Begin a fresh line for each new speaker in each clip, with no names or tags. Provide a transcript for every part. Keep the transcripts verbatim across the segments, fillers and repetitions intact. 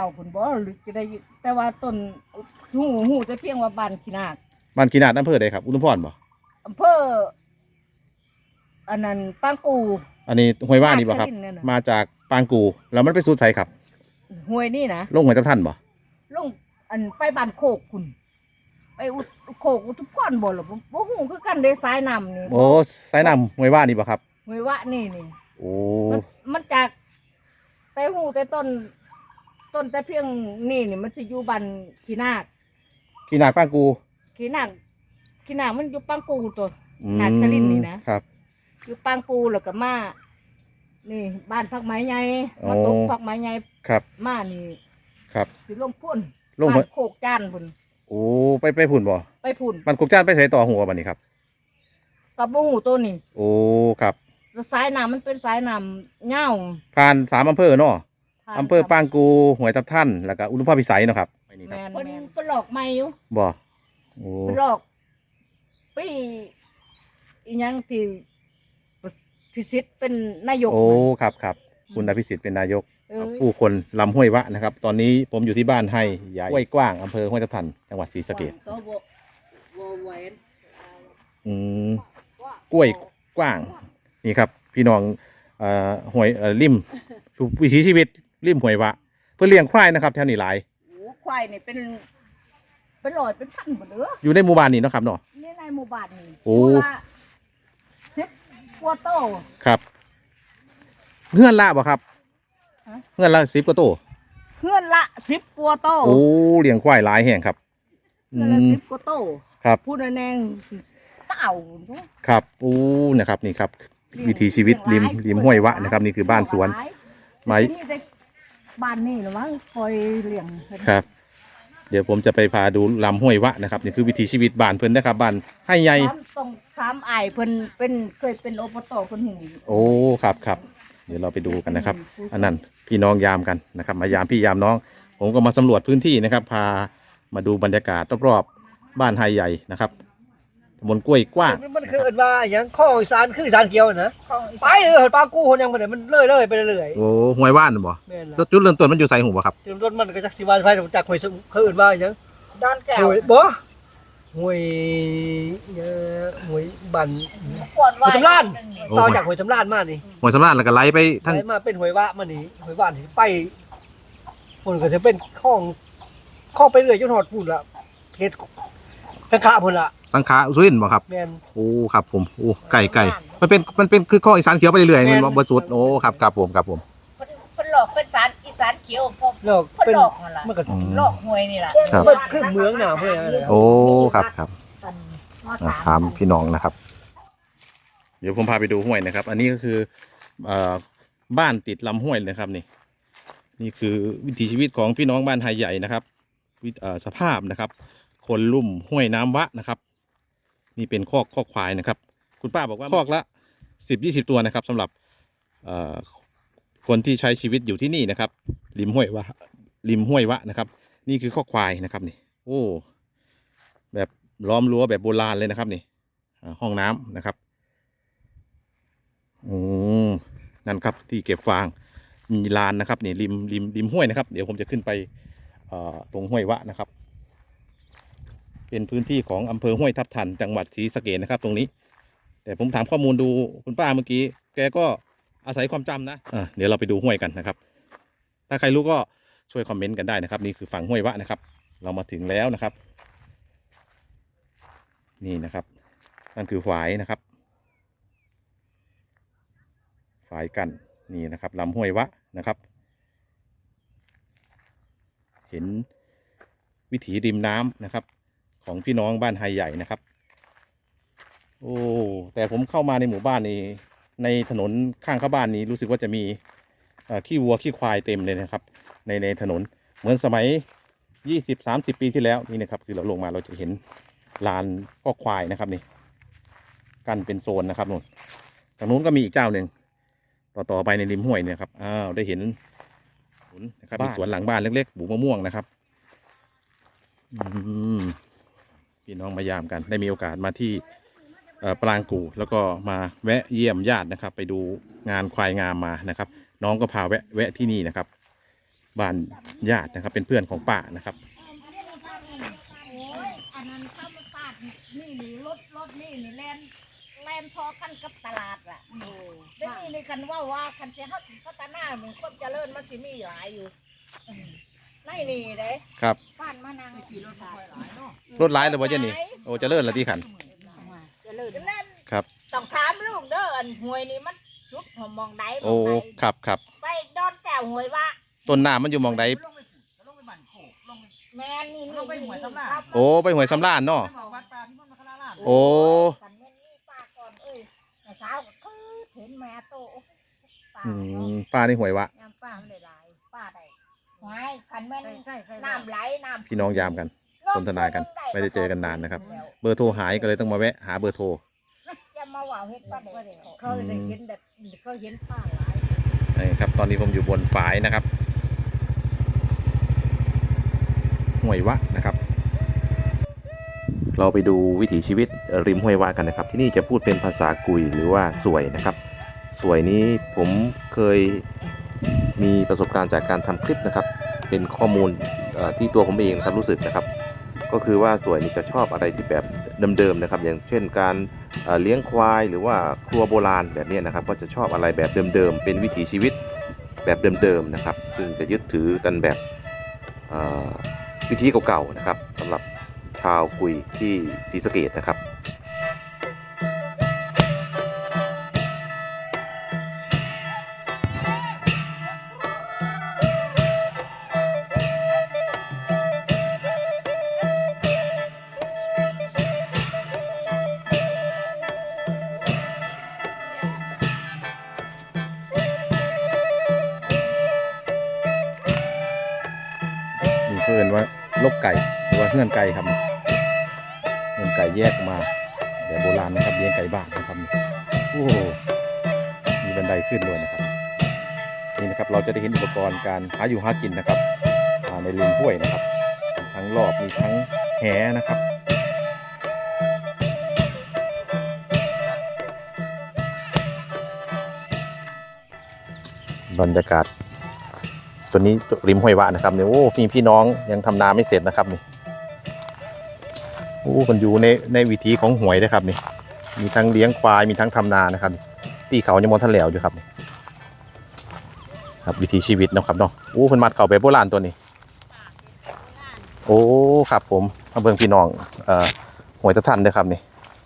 วผุนบ่หรือจะได้แต่ว่าต้นหูหูจะเพียงว่าบ้านขี้นาค
บ้านกีนาดอำเภอใดครับอุทุมพรบ่
อำเภออันนั้นปางกู
อันนี้ห้วยว่านี่บ่ครับมาจากปางกูแล้วมันไปสู่ไสครับ
ห้วยนี่นะ
ลงห้วยทับทันบ่
ลงอันไปบ้านโคกคุณไปอุโคกอุทุมพรบ่หรอบ่ฮู้คือกันได้สายน้ำนี่
โอ้สายน้ำห้วยว่านี่บ่ครับ
ห้วยว่านี่นี่
โอ้
มันจากแต่หูแต่ต้นต้นแต่เพียงนี่นี่มันจะอยู่บ้านขี้นาค
ขี้นาคปางกู
ขี้นาคขี้นาคมันอยู่ปางกูตัวนาคลินนี่นะครับอยู่ปางกูแล้วก็มานี่บ้านพักไม้ใหญ่มาตกพักไม้ใหญ่
ครับ
มานี่
ครับ
สิลงพุ่น
ลง
บ้านโคกจานพุ่น
โอ้ไปไปพุ่นบ่
ไปพุ่น
บ้านโคกจานไปใส่ต่อหัวบัดนี้ครับ
กับบ่หูตัวนี้
โอ้ครับ
สายน้ำมันเป็นสายน้ำเงา
ผ่านสามอำเภอเนาะอำเภอปางกูห้วยทับทันแล้วก็อุดมพรพิสัยเนาะครับ
แม่นเป็นเป็นหลอกใหม่อยู่
บ่โอ้
เป็นหลอกปีอีหยังที่พิสิทธิ์เป็นนายก
โอ้ครับครับคุณอภิสิทธิ์เป็นนายกผู้คนลำห้วยวะนะครับตอนนี้ผมอยู่ที่บ้านให้ใหญ่ห้วยกว้างอำเภอห้วยทับทันจังหวัดศรีสะเกษอืมกล้วยกว้างนี่ครับพี่น้องเอ่อห้วยเอ่อริมวิถีชีวิตริมห้วยวะเพื่อเลี้ยงควายนะครับแถวนี้หลาย
โอ้ควายนี่เป็นเป็นร้อยเป็นพันหมดเลย
อยู่ในหมู่บ้านนี่เนาะครับเนาะ
นี่ในหมู่บ้านนี่
โอ้
สิบกว่าโต
ครับเฮือนละบ่ครับเฮือนละสิบกว่าโต
เฮือนละสิบกว่าโต
โอ้เลี้ยงควายหลายแห่งครับ
เฮือนละสิบกว่าโต
ครับ
พูดแนงเต่า
ครับโอ้นะครับนี่ครับวิถีชีวิตริมริมห้วยวะนะครับนี่คือบ้านสวนไม้
บ้านนี่หรือว่าคอยเลี้ยง
ครับเดี๋ยวผมจะไปพาดูลำห้วยวะนะครับนี่คือวิถีชีวิตบ้านเพิ่นนะครับบ้านให้ใหญ่
ต้องถามอ้ายเพิ่นเป็นเคยเป็นอบตเพิ่นหู
โอ้ครับครับเดี๋ยวเราไปดูกันนะครับอันนั้นพี่น้องยามกันนะครับมายามพี่ยามน้องผมก็มาสำรวจพื้นที่นะครับพามาดูบรรยากาศรอบๆบ้านไฮใหญ่นะครับตำบลกล้วยกว้าง
มันคือเอิ้นว่าอย่างข้องอีสานคืออีสานเกี่ยวนะไปเลยปลากู้คนยังบ่ได้มันเลื่อยๆไปเรื่อย
ๆโอ้ห้วยว่านบ่แล้วจุดเริ่มต้นมันอยู่ไสหูบ่ครับ
จุดเริ่มต้นมันก็จักสิว่าไฟจากห้วยเขาเอิ้นว่าหยัง
ดอนแก้ว
บ่ห้วยเอ่อห้วยบันห้วยสำราญต่อจากห้วยสำราญมานี่
ห้วยสำราญแล้วก็ไหลไปทั้ง
มาเป็นห้วยวะมานี่ห้วยว่านที่ไปพุ่นก็จะเป็นคลองคลองไปเรื่อยจนฮอดพุ่นล่ะเขตสังขะพุ่นล่ะ
สังขะสุรินทร์บ่ครับ
แม่น
โอ้ครับผมโอ้ไก่ไก่มันเป็นมันเป็นคือข้ออีสานเขียวไปเรื่อยๆมันบ่สุดโอ้ครับครับผมครับผม
เพิ่นหลอกเป็นสารอีสานเขียวพอ
หลอก
เป็นหลอกนั่นล่ะมันก็หลอกห้วยนี่ล่ะ
มันคือเมืองหนาวเพิ่น
โอ้ครับครับถามพี่น้องนะครับเดี๋ยวผมพาไปดูห้วยนะครับอันนี้ก็คือบ้านติดลำห้วยนะครับนี่นี่คือวิถีชีวิตของพี่น้องบ้านไฮใหญ่นะครับสภาพนะครับคนลุ่มห้วยน้ำวะนะครับนี่เป็นคอกคอกควายนะครับคุณป้าบอกว่าคอกละสิบยี่สิบตัวนะครับสำหรับคนที่ใช้ชีวิตอยู่ที่นี่นะครับริมห้วยวะริมห้วยวะนะครับนี่คือคอกควายนะครับนี่โอ้แบบล้อมรั้วแบบโบราณเลยนะครับนี่ห้องน้ำนะครับอืมนั่นครับที่เก็บฟางมีลานนะครับนี่ริมริมริมห้วยนะครับเดี๋ยวผมจะขึ้นไปตรงห้วยวะนะครับเป็นพื้นที่ของอำเภอห้วยทับทันจังหวัดศรีสะเกษนะครับตรงนี้แต่ผมถามข้อมูลดูคุณป้าเมื่อกี้แกก็อาศัยความจำนะอ่ะเดี๋ยวเราไปดูห้วยกันนะครับถ้าใครรู้ก็ช่วยคอมเมนต์กันได้นะครับนี่คือฝั่งห้วยวะนะครับเรามาถึงแล้วนะครับนี่นะครับนั่นคือฝายนะครับฝายกันนี่นะครับลำห้วยวะนะครับเห็นวิถีริมน้ำนะครับของพี่น้องบ้านไฮใหญ่นะครับโอ้แต่ผมเข้ามาในหมู่บ้านนี้ในถนนข้างเข้าบ้านนี้รู้สึกว่าจะมีขี้วัวขี้ควายเต็มเลยนะครับในในถนนเหมือนสมัยยี่สิบสามสิบปีที่แล้วนี่นะครับคือเราลงมาเราจะเห็นลานก็ควายนะครับนี่กันเป็นโซนนะครับนู่นทางนู้นก็มีอีกเจ้าหนึ่งต่อต่อไปในริมห้วยเนี่ยครับอ้าวได้เห็นนะครับมีสวนหลังบ้านเล็กๆปลูกมะม่วงนะครับอืมพี่น้องมายามกันได้มีโอกาสมาที่ปรางกูแล้วก็มาแวะเยี่ยมญาตินะครับไปดูงานควายงามมานะครับน้องก็พาแวะแวะที่นี่นะครับบ้านญาตินะครับ เป็นเพื่อนของป้านะครับ
โอ้ยอันนั้นเข้ามาตาดนี่นี่รถรถนี่นี่แลนแลนพอกันกับตลาดอ่ะได้นี่ในคันว่าว่าคันเจ้าพัฒนาเหมือนคนเจริญมันสิมีหลายอยู่ไล่นี่เด้
ครับ
บ้านมานาง
รถหลายเลยว่าเจนี่โอ้เจะเลื่อนละที่ขัน
เจริญเล่น
ครับ
ต้องถามลูกเด้ออันหวยนี่มันจุดหอมมองใดม
โอ้
องใด
ครับครับ
ไปดอนแก้วหวยว่า
ต้นน้ำมันอยู่หมองใด
แม่นี่
ลงไปหวยสำราญ
ครับ
โอ้ไปหวยสำราญเนาะ
วัดป่าพิมลมังคลาราม
โอ้
กันแม่นี่ป้าก่อนเอ้ยแต่เช้าก็คือเห็นแม่โตป้า
อื
เนาะ
มป้านี่หวยวะ
ยามป้าไม่ได้หลายป้าได้หวยคันแม่นน้ำไหลน้ำ
พี่น้องยามกัน สนทนากัน ไม่ได้เจอกันนานนะครับ เบอร์โทรหายก็เลยต้องมาแวะหาเบอร์โทร
จะมาว่าเฮ็ดป้าได้เขาได้เห็นแต่เขาเห็นป้าหลาย
นี่ครับ ตอนนี้ผมอยู่บนฝายนะครับห้วยวะนะครับ เราไปดูวิถีชีวิตริมห้วยวะกันนะครับ ที่นี่จะพูดเป็นภาษากุยหรือว่าสวยนะครับ สวยนี้ผมเคยมีประสบการณ์จากการทำคลิปนะครับ เป็นข้อมูลเอ่อที่ตัวผมเองนะครับรู้สึกนะครับ ก็คือว่าสวยนี่จะชอบอะไรที่แบบเดิมๆนะครับ อย่างเช่นการเอ่อเลี้ยงควายหรือว่าครัวโบราณแบบนี้นะครับ ก็จะชอบอะไรแบบเดิมๆเป็นวิถีชีวิตแบบเดิมๆนะครับ ซึ่งจะยึดถือกันแบบเอ่อวิธีเก่าๆนะครับสำหรับชาวกุยที่ศรีสะเกษนะครับ นี่เพื่อนว่าลบไก่หรือว่าเงื่อนไก่ครับเงื่อนไก่แยกมาแบบโบราณนะครับเลี้ยงไก่บ้านนะครับโอ้โหมีบันไดขึ้นด้วยนะครับนี่นะครับเราจะได้เห็นอุปกรณ์การหาอยู่หากินนะครับอ่าในริมห้วยนะครับมีทั้งรอบมีทั้งแหนะครับบรรยากาศตัวนี้ริมห้วยวะนะครับเนี่ยโอ้พี่พี่น้องยังทำนาไม่เสร็จนะครับนี่โอ้มันอยู่ในในวิถีของหวยนะครับนี่มีทั้งเลี้ยงควายมีทั้งทำนานะครับตีเขายังมองทะเลวอยู่ครับนี่ครับวิถีชีวิตเนาะครับเนาะโอ้คนมัดเขาไปโบราณตัวนี้โอ้ครับผมมาเบิ่งพี่น้องเอ่อหวยตะทันเด้อครับนี่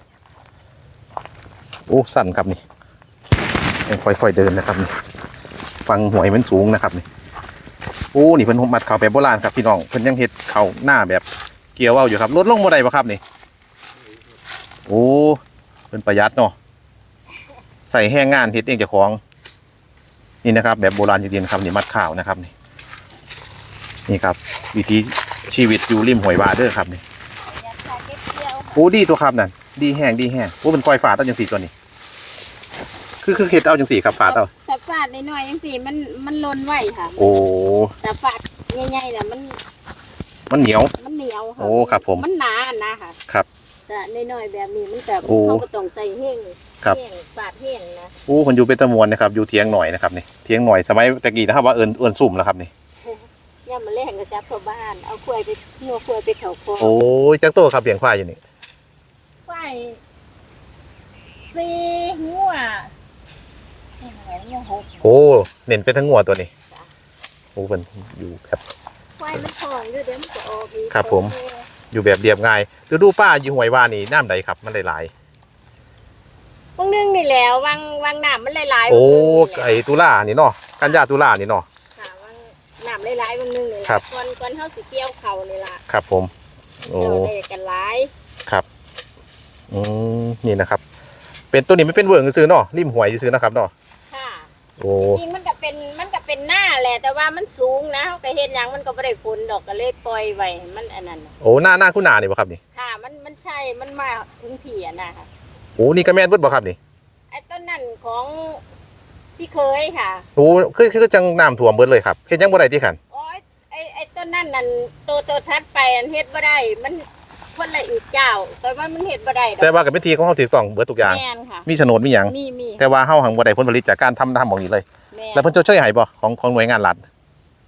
โอ้สั่นครับนี่ยังค่อยๆเดินนะครับนี่ฟังหวยมันสูงนะครับนี่โอ้นี่เพิ่นมัดเขาแบบโบราณครับพี่น้องเพิ่นยังเฮ็ดเขาหน้าแบบเกี่ยวเอาอยู่ครับลดลงบ่ได้บ่ครับนี่โอ้เพิ่นประหยัดเนาะใส่แห้งงานเฮ็ดเองเจ้าของนี่นะครับแบบโบราณจริงๆครับนี่มัดข้าวนะครับนี่นี่ครับวิธีชีวิตอยู่ริมห้วยวาเด้อครับนี่โอ้ดีตัวครับนั่นดีแห้งดีแห้งโอ้เป็นก้อยฝาดเอาจังซี่ตัวนี้คือคือเฮ็ดเอาจังซี่ครับฝาดเอา
แต่ฝาดน้อยๆยังสิมันมันลนไหวค่ะ
โอ้
แต่ฝาดใหญ่ๆเนี่ยมัน
มันเหนียว
มันเหนียวค่ะ
โอ้ครับผม
มันหนาอันนะค่ะ
ครับ
แต่น้อยๆแบบนี้มันแบบ
โอ้
เขาก็ต้องใส่แห้ง
ครับ
แห้งฝาดแห้งนะ
โอ้คนอยู่เป็นตะมวนนะครับอยู่เทียงหน่อยนะครับนี่เทียงหน่อยสมัยตะกี้นะครับว่าเอิญเอิญสุ่มแล้วครับนี่
ย่ามาแลกกับจับชาวบ้านเอาควายไปงัวควายไปเขาคอ
โอ้ยจักตัวครับเลี้ยงควายอยู่นี่
ควายสี่งัวอะไรงัวหก
โอ้เน้นเป็นทั้งงัวตัวนี้โอ้เป็นอยู่แบบ
ควายมันทองด้วยเดี๋ยวมันจะออกอีก
ครับผม อยู่แบบเรียบง่ายดูดูป้าอยู่ห้วยว่านี่น้ำใดครับมันหลาย
บางนึงนี่แหล้ววางวางน้ำมันหลายๆ
ๆโอ้
บางนึงนี่แหละ
ไอตุล่านี่เนาะกันยาตุล่านี่เนาะ
ค่ะวางน้ำหลายๆบางนึงนี่แหละ
ครับ
ก่อนก่อนเฮาสิเกี่ยวเขานี่ล่ะ
ครับผมโอ้
เจ้าได้กันหลาย
ครับอืมนี่นะครับ เป็นตัวนี้ไม่เป็นเวิร์กซื้อเนาะริมห้วยซื้อนะครับเนาะ
ค่ะ
โอ้
จริงๆมันก็เป็นมันก็เป็นหน้าแหละแต่ว่ามันสูงนะเขาก็เห็นอย่างมันก็ไม่ได้ผลดอกก็เลยปล่อยไว้ให้มันอันนั้นน่ะ
โอ้หน้าหน้าคุณนานี่บ่ครับนี่
ค่ะมันมันใช่มันมาถึงเผียนะคะ
โอ้นี่ก็แม่นเบิดบ่ครับนี่
ไอ้ต้นนั่นของพี่เคยค่ะ
โอ้คือคือจังน้ำท่วมเบิดเลยครับเฮ็ดยังบ่ได้ที่ขัน
โอ้ยไอ้ไอ้ต้นนั่นนั่นโตโตทัดไปอันเฮ็ดบ่ได้มันคนละอีกเจ้าแต่ว่ามันเฮ็ดบ่ได้ดอก
แต่ว่ากับเป็นทีของเฮาถูกต้องเบิดทุกอย่าง
แม่นค่ะ
มีโฉนดมีหยัง
มีมี
แต่ว่าเฮาหังบ่ได้ผลผลิตจากการทำทำของนี้เลย
แม่น
แล้วเพิ่นชดเชยให้บ่ของของหน่วยงานรัฐ
จะ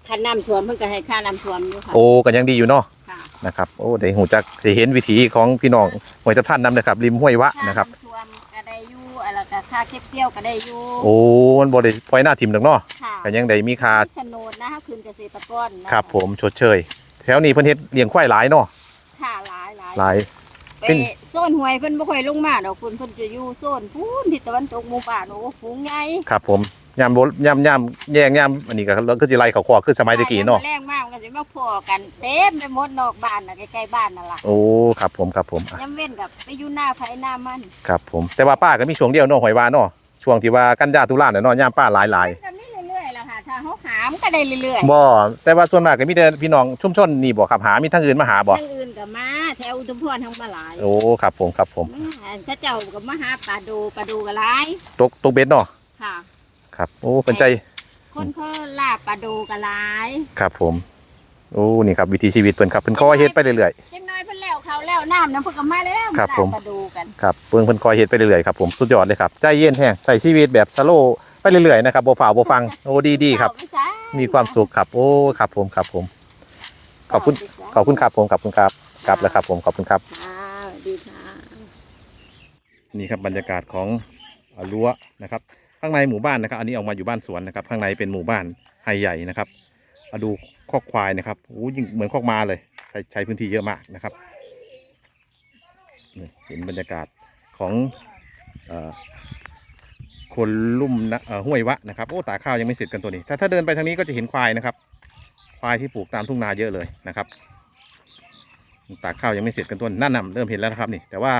ค่าน้ำท่วมเพิ่นก็ให้ค่าน้ำท่วมอยู่ค่ะ
โอ้ก็ยังดีอยู่เนาะ
ค่ะ
นะครับโอ้ได้หูจักได้เห็นวิถีของพี่น้องห้วยทับทันนำนะครับริมห้วยวะนะครับ
ค่าำท่วมก็ได้อยู่อะไรก็ค่าเก็บเกี่ยวก็ได้อยู่
โอ้มันบ่ได้ปล่อยหน้าทิ่มดอกเนาะ
ค่ะ
ก็ยังได้มีค่า
โฉนดนะคะคืนเกษตรกรนะครับ
ผมชดเชยแถวนี้เพิ่นเฮ็ดเลี้ยงควายหลายเนาะ
ค่ะหลายหลาย
หลาย
ไปโซนห้วยเพิ่นบ่ค่อยลงมาดอกคุณเพิ่นจะอยู่โซนพูนทิศตะวันตกหมู่บ้านโอ้ฝูงใหญ่
ครับผมยามโบยามยามแย่งยามอันนี้ก็ก็สิไล่เขาคอคือสมัยตะกี้เนาะ
แรงมากมันก็สิมาพอกันเต็มไปหมดนอกบ้านน่ะใกล้ๆบ้านนั่นล่ะ
โอ้ครับผมครับผมอ่ะ
ยามเว้นกับไปอยู่หน้าไผหน้ามัน
ครับผมแต่ว่าป้าก็มีช่วงเดียวเนาะหอยวาเนาะช่วงที่ว่ากันยาตุลาเนี่ยเนาะยามป้าหลายหลาย
มันก็มีเรื่อยๆล่ะค่ะถ้าเฮาหามก็ได้เรื่อย
ๆบ่แต่ว่าส่วนมากก็มีแต่พี่น้องชุมชนนี่บ่ครับหามีทางอื่นมาหา
ๆ
บ่
ทางอื่นก็มาแถวอุทุมพรทั้งมาหลาย
โอ้ครับผมครับผม
อืมอันเขาเจ้าก็มาหาปลาดูปลาดูก็หลาย
ตกตกเบ็ดเนาะ
ค่ะ
ครับโอ้เป็นใจ
คนเขาลาบปลาดูก็หลาย
ครับผมโอ้นี่ครับวิถีชีวิตเพิ่นครับเพิ่นคอยเฮ็ดไปเรื่อย
เล็กน้อยเพิ่นแล้วเขาแล้วน้ำน้ำเพิ่นก็มาแล้ว
ครับผม
าปลาดูกัน
ๆครับเพิ่นเพิ่นคอยเฮ็ดไปเรื่อยๆครับผมสุดยอดเลยครับใจเย็นแฮงใส่ชีวิตแบบสโลว์ไปเรื่อยๆนะครับบ่ฝ่าวบ่ฟังโอ้ดีๆครับ
เอาไปจ้า
มีความสุขครับโอ้ครับผมครับผมขอบคุณขอบคุณครับผมขอบคุณครับกลับแล้วครับผมขอบคุณครับ
ค่ะสวัสดีค่ะ
นี่ครับบรรยากาศของเอ่อรั้วนะครับ ข้างในหมู่บ้านนะครับ อันนี้ออกมาอยู่บ้านสวนนะครับ ข้างในเป็นหมู่บ้านไฮใหญ่นะครับมาดูคอกควายนะครับโอ้ยิ่งเหมือนคอกม้าเลยใช้ใช้พื้นที่เยอะมากนะครับนี่เห็นบรรยากาศของเอ่อคนลุ่มนะเอ่อห้วยวะนะครับโอ้ตากข้าวยังไม่เสร็จกันตัวนี้ถ้าถ้าเดินไปทางนี้ก็จะเห็นควายนะครับ ควายที่ปลูกตามทุ่งนาเยอะเลยนะครับตากข้าวยังไม่เสร็จกันตัวนั่นน่ะเริ่มเห็นแล้วนะครับนี่แต่ว่า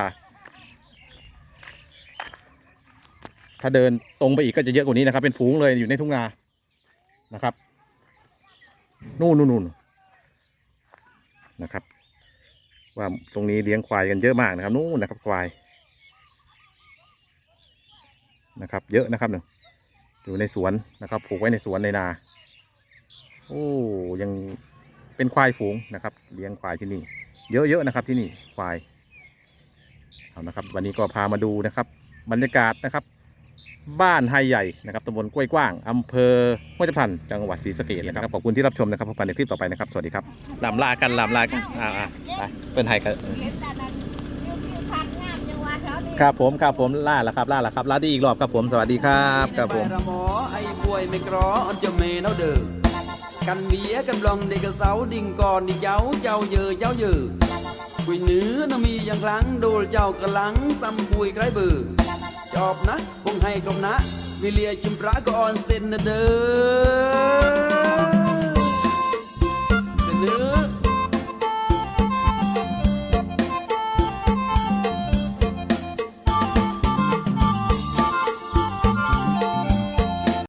ถ้าเดินตรงไปอีกก็จะเยอะกว่านี้นะครับ เป็นฝูงเลยอยู่ในทุ่งนานะครับนู่นนู่นนู่นนะครับ ว่าตรงนี้เลี้ยงควายกันเยอะมากนะครับนู่นนะครับควายนะครับ เยอะนะครับหนึ่งอยู่ในสวนนะครับผูกไว้ในสวนในนาโอ้ยังเป็นควายฝูงนะครับ เลี้ยงควายที่นี่ เยอะๆนะครับที่นี่ควายเอานะครับ วันนี้ก็พามาดูนะครับ บรรยากาศนะครับ บ้านไฮใหญ่นะครับตำบลกล้วยกว้างอำเภอห้วยทับทันจังหวัดศรีสะเกษนะครับขอบคุณที่รับชมนะครับพบกันในคลิปต่อไปนะครับสวัสดีครับลำลากันลำลากันอ่าอ่าไปเป็นไฮกัน
เห็นแต่นั้นวิวทิวทัศน์งามจังหวะแถวนี้
ครับผมครับผมล่าแล้วครับล่าแล้วครับล่าดีอีกรอบครับผมสวัสดีครับครับผม
หมอไอ้ป่วยไม่กรออันจะเมนเอาเด้อกันเมียกันลองเด็กกระเสาดิ่งก่อนดิเย้าเจ้าเยอเจ้าเยอคุยเนื้อน่ะมีอย่างครั้งโดนเจ้ากระลังซ้ำคุยใครเบื่อจอบนะคงให้กลมนะวิเลียจิมพระก็ออนเซนนะเด้อ